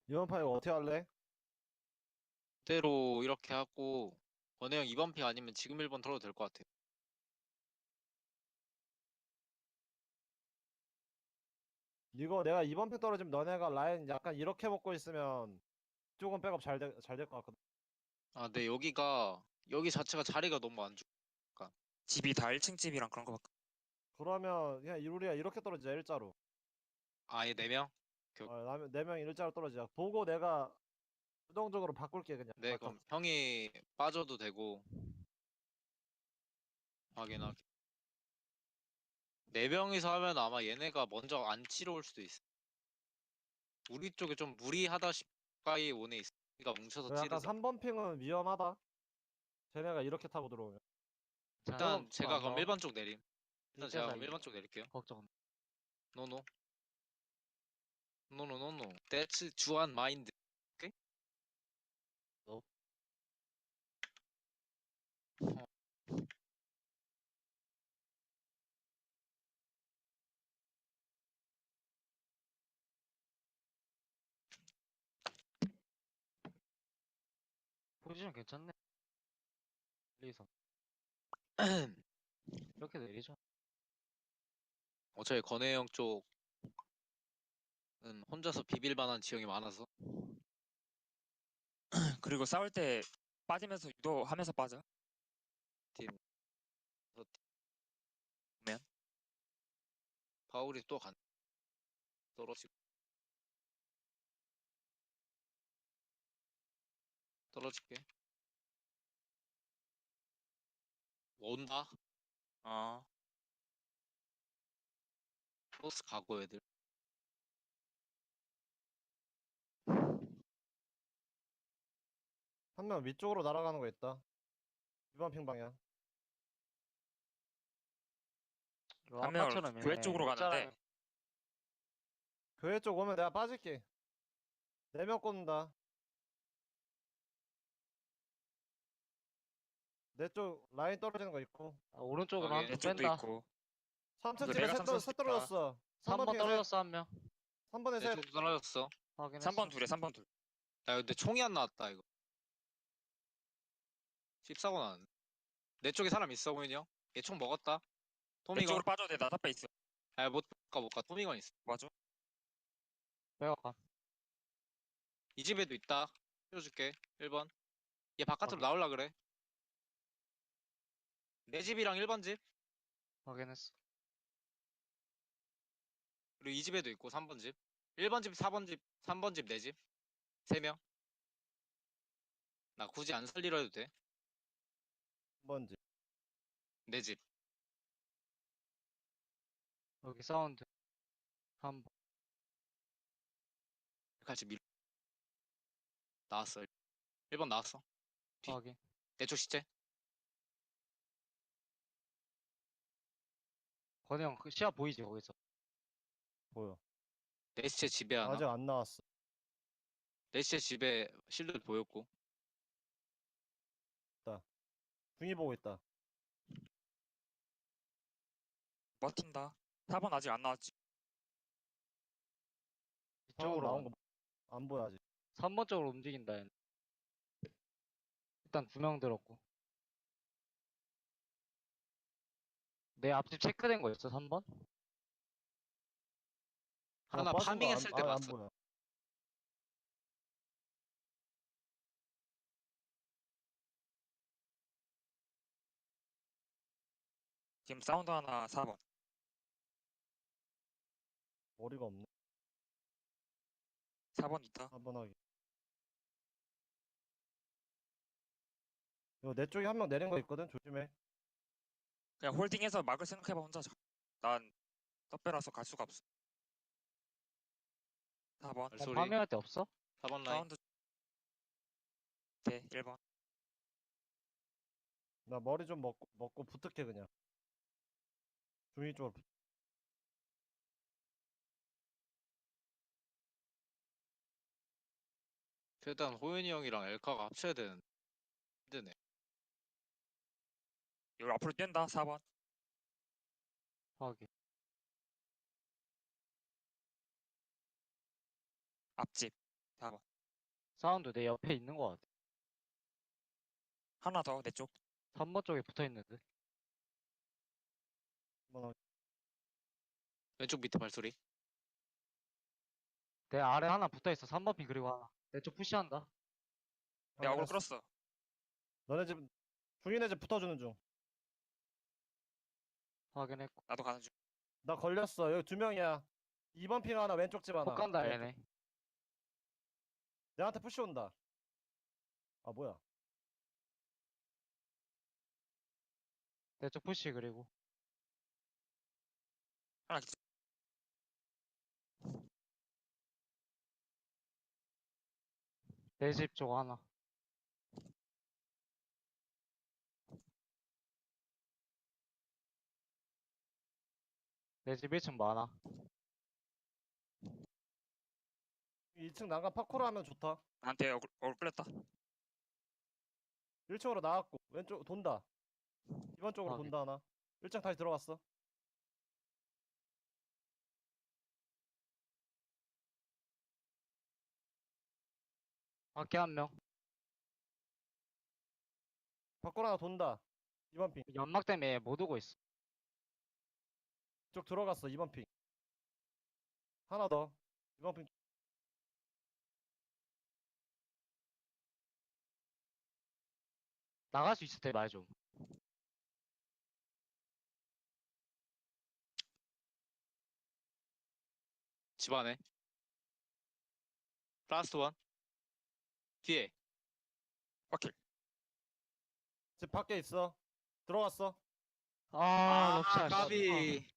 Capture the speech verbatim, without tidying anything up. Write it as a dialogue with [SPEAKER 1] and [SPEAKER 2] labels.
[SPEAKER 1] 이번 판 이거 어떻게 할래?
[SPEAKER 2] 그대로 이렇게 하고 권혜 형 이 번 픽 아니면 지금 일 번 털어도 될 것 같아.
[SPEAKER 1] 이거 내가 이번 픽 떨어지면 너네가 라인 약간 이렇게 먹고 있으면 조금 백업 잘 될, 잘 될 것 같거든.
[SPEAKER 2] 아, 근데 여기가 여기 자체가 자리가 너무 안 좋아.
[SPEAKER 3] 집이 다 일 층 집이랑 그런 거밖에.
[SPEAKER 1] 그러면 그냥 이- 우리가 이렇게 떨어지자 일자로.
[SPEAKER 2] 아예 네 명? 교...
[SPEAKER 1] 어, 네 명이 일자로 떨어지자. 보고 내가 수동적으로 바꿀게 그냥
[SPEAKER 2] 네,
[SPEAKER 1] 말카.
[SPEAKER 2] 그럼 형이 빠져도 되고 확인하게. 네 명이서 하면 아마 얘네가 먼저 안 치러 올 수도 있어. 우리 쪽에 좀 무리하다 싶가이 오네 있어. 우리가 뭉쳐서
[SPEAKER 1] 그 약간
[SPEAKER 2] 찌르자.
[SPEAKER 1] 삼 번 핑은 위험하다. 쟤네가 이렇게 타고 들어오면.
[SPEAKER 2] 일단
[SPEAKER 1] 백업
[SPEAKER 2] 제가
[SPEAKER 1] 안
[SPEAKER 2] 그럼
[SPEAKER 1] 나와.
[SPEAKER 2] 일 번 쪽 내림. 일단 제가
[SPEAKER 4] 이때자
[SPEAKER 2] 그럼
[SPEAKER 4] 이
[SPEAKER 2] 일 번 쪽 내릴게요.
[SPEAKER 4] 걱정.
[SPEAKER 2] 노노. 노노노노. That's 주한 마인드. 오케이?
[SPEAKER 4] 너
[SPEAKER 2] 어,
[SPEAKER 4] 포지션 괜찮네. 일, 이, 삼 이렇게 내리죠.
[SPEAKER 2] 어차피 권혜 형 쪽은 혼자서 비빌 만한 지형이 많아서.
[SPEAKER 3] 그리고 싸울 때 빠지면서 유도하면서 빠져.
[SPEAKER 2] 팀.
[SPEAKER 3] 보면
[SPEAKER 2] 파울이 또 간. 떨어지고. 떨어질게. 온다.
[SPEAKER 3] 어
[SPEAKER 2] 크로스 가고 애들.
[SPEAKER 1] 한 명 위쪽으로 날아가는 거 있다. 이번 핑 방향.
[SPEAKER 4] 이거
[SPEAKER 3] 한 명을
[SPEAKER 4] 아까처럼
[SPEAKER 3] 교회
[SPEAKER 4] 얘네
[SPEAKER 3] 쪽으로 가는데
[SPEAKER 4] 일자랑
[SPEAKER 1] 교회 쪽 오면 내가 빠질게. 네 명 꽂는다. 내 쪽 라인 떨어지는 거 있고.
[SPEAKER 4] 아, 오른쪽으로
[SPEAKER 2] 확인.
[SPEAKER 4] 한
[SPEAKER 3] 내
[SPEAKER 4] 명
[SPEAKER 3] 쪽도
[SPEAKER 4] 뺀다.
[SPEAKER 3] 있고.
[SPEAKER 1] 삼 층
[SPEAKER 3] 이거
[SPEAKER 1] 집에
[SPEAKER 3] 내가
[SPEAKER 1] 셋, 떨,
[SPEAKER 3] 삼선
[SPEAKER 1] 셋
[SPEAKER 3] 있다.
[SPEAKER 1] 떨어졌어. 삼 번
[SPEAKER 4] 삼 번
[SPEAKER 1] 핑에 셋.
[SPEAKER 4] 떨어졌어 한 명.
[SPEAKER 1] 삼 번에
[SPEAKER 2] 내
[SPEAKER 1] 셋.
[SPEAKER 2] 쪽도 떨어졌어.
[SPEAKER 3] 삼 번
[SPEAKER 4] 확인했어.
[SPEAKER 3] 둘에 삼 번 둘.
[SPEAKER 2] 야, 근데 총이 안 나왔다, 이거. 십사고 나왔네. 내 쪽에 사람 있어, 보이니 형? 얘 총 먹었다.
[SPEAKER 3] 내
[SPEAKER 2] 토미건.
[SPEAKER 3] 쪽으로 빠져도 돼. 나 답배 있어.
[SPEAKER 2] 아, 못 가, 못 가. 토미건 있어.
[SPEAKER 3] 맞아.
[SPEAKER 4] 빼어가.
[SPEAKER 2] 이 집에도 있다. 띄워줄게. 일 번. 얘 바깥으로
[SPEAKER 4] 확인.
[SPEAKER 2] 나올라 그래. 내 집이랑 일 번 집.
[SPEAKER 4] 확인했어.
[SPEAKER 2] 그리고 이 집에도 있고, 삼 번 집. 일 번 집, 사 번 집, 삼 번 집, 내 집. 세 명. 나 굳이 안 살리려 해도 돼.
[SPEAKER 1] 한 번 집.
[SPEAKER 2] 내 집.
[SPEAKER 4] 여기 사운드 한 번.
[SPEAKER 2] 같이 밀. 나왔어. 일 번 나왔어. 뒤.
[SPEAKER 4] 확인.
[SPEAKER 2] 내 쪽 시체.
[SPEAKER 4] 권형 그 시야 보이지 거기서.
[SPEAKER 1] 보여.
[SPEAKER 2] 내 시체 집에 하나.
[SPEAKER 1] 아직 안 나왔어.
[SPEAKER 2] 내 시체 집에 실드 보였고.
[SPEAKER 1] 중이 보고 있다.
[SPEAKER 3] 버틴다. 사 번 아직 안 나왔지.
[SPEAKER 1] 방금
[SPEAKER 4] 이쪽으로
[SPEAKER 1] 나온
[SPEAKER 4] 가.
[SPEAKER 1] 거 안 보여 아직.
[SPEAKER 4] 삼 번 쪽으로 움직인다 얘네. 일단 두 명 들었고. 내 앞집 체크된 거 있어 삼 번?
[SPEAKER 2] 하나
[SPEAKER 1] 빠진 거
[SPEAKER 2] 파밍했을
[SPEAKER 1] 안,
[SPEAKER 2] 때
[SPEAKER 1] 아, 안
[SPEAKER 2] 봤어.
[SPEAKER 1] 보여.
[SPEAKER 3] 지금 사운드 하나 사 번.
[SPEAKER 1] 머리가 없네.
[SPEAKER 3] 사 번 있다.
[SPEAKER 1] 한 번 하기. 이거 내 쪽에 한 명 내린 거 있거든. 조심해.
[SPEAKER 3] 그냥 홀딩해서 막을 생각해봐 혼자. 난 떡배라서 갈 수가 없어. 사 번.
[SPEAKER 4] 어,
[SPEAKER 2] 발소리.
[SPEAKER 4] 파밍할 데 없어?
[SPEAKER 2] 사 번 라인.
[SPEAKER 3] 사운드 돼. 일 번.
[SPEAKER 1] 나 머리 좀 먹고 먹고 붙을게 그냥. 중이 쪽으로. 붙-
[SPEAKER 2] 일단 호연이 형이랑 엘카가 합쳐야 되는. 힘드네.
[SPEAKER 3] 여기 앞으로 뛴다. 사 번.
[SPEAKER 4] 확인.
[SPEAKER 3] 앞집. 사 번.
[SPEAKER 4] 사운드 내 옆에 있는 거 같아.
[SPEAKER 3] 하나 더 내 쪽.
[SPEAKER 4] 삼 번 쪽에 붙어 있는데.
[SPEAKER 1] 뭐,
[SPEAKER 2] 왼쪽 밑에 발소리.
[SPEAKER 4] 내 아래 하나 붙어 있어. 삼 번 핑 그리고 하나. 내 쪽 푸시한다.
[SPEAKER 3] 내가 어글
[SPEAKER 1] 확인했어.
[SPEAKER 3] 끌었어.
[SPEAKER 1] 너네 집 중인의 집 붙어주는 중.
[SPEAKER 4] 확인했고.
[SPEAKER 3] 나도 가는 중.
[SPEAKER 1] 나 걸렸어. 여기 두 명이야. 이 번 핑 하나, 왼쪽 집 하나.
[SPEAKER 4] 못 간다
[SPEAKER 1] 왼쪽.
[SPEAKER 4] 얘네.
[SPEAKER 1] 내한테 푸시 온다. 아 뭐야?
[SPEAKER 4] 내 쪽 푸시 그리고.
[SPEAKER 3] 하나 기절.
[SPEAKER 4] 내 집 쪽 하나. 내 집 일 층 많아.
[SPEAKER 1] 이 층 난간 파코로 하면 좋다.
[SPEAKER 3] 나한테 어글, 어글 끌렸다.
[SPEAKER 1] 일 층으로 나왔고 왼쪽 돈다. 이번 쪽으로
[SPEAKER 4] 확인.
[SPEAKER 1] 돈다 하나. 일 층 다시 들어갔어.
[SPEAKER 4] 밖에 한 명.
[SPEAKER 1] 밖으로 하나 돈다. 이번 핑.
[SPEAKER 4] 연막 때문에 못 오고 있어.
[SPEAKER 1] 쪽 들어갔어. 이번 핑. 하나 더. 이번 핑.
[SPEAKER 4] 나갈 수 있을 때 말 좀.
[SPEAKER 2] 집 안에. 라스트 원. 뒤에.
[SPEAKER 3] 확킬.
[SPEAKER 1] 집 밖에 있어. 들어갔어.
[SPEAKER 4] 아, 럽샷.
[SPEAKER 2] 까비.